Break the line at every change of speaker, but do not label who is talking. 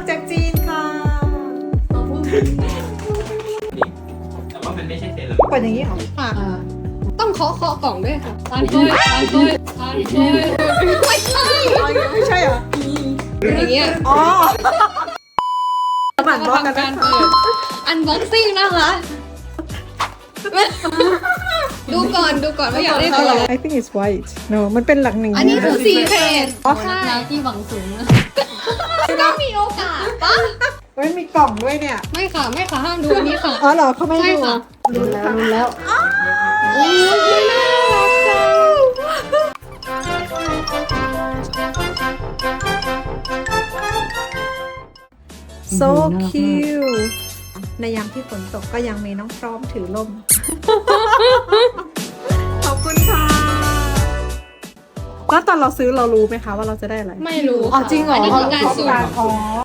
จากจีนค่ะ
แต่ว่ามันไม่ใช่เซรั่ม
เปิดอย่างนี้เหรอ
ค่ะต้องเคาะกล่องด้วยค่ะตานเคยไม่ใช่
ไม่ใช่เหรอ
อย่างเงี้ย
อ๋อหมั่นบล็อกกัน
ทำการ
นะ
เปิดอันบ็อกซิ่งนะคะ ดูก่อนว่าอยากได้ตัวอะไร
I think it's white no มันเป็นหลังหนึ่ง
อันนี้คือซีเพจ
ใช่ที่หวังสูงนะ
ก็มีโอกาสปะ
เฮ้ยมีกล่องด้วยเนี่ย
ไม่ค่ะห้ามดูอันนี้ค่ะ
อ๋อเหรอเขาไม่
ใช่
ดู
ค่ะ
รู้แล้ว
โอ้ยน่ารักจัง
โซคิวในยามที่ฝนตกก็ยังมีน้องพร้อมถือล่ม ขอบคุณค่ะ แล้วตอนเราซื้อเรารู้ไหมคะว่าเราจะได้อะไร
ไม่รู้
อ๋อจริงเหรอ
อันนี้คือการสุ่ม
อ๋อ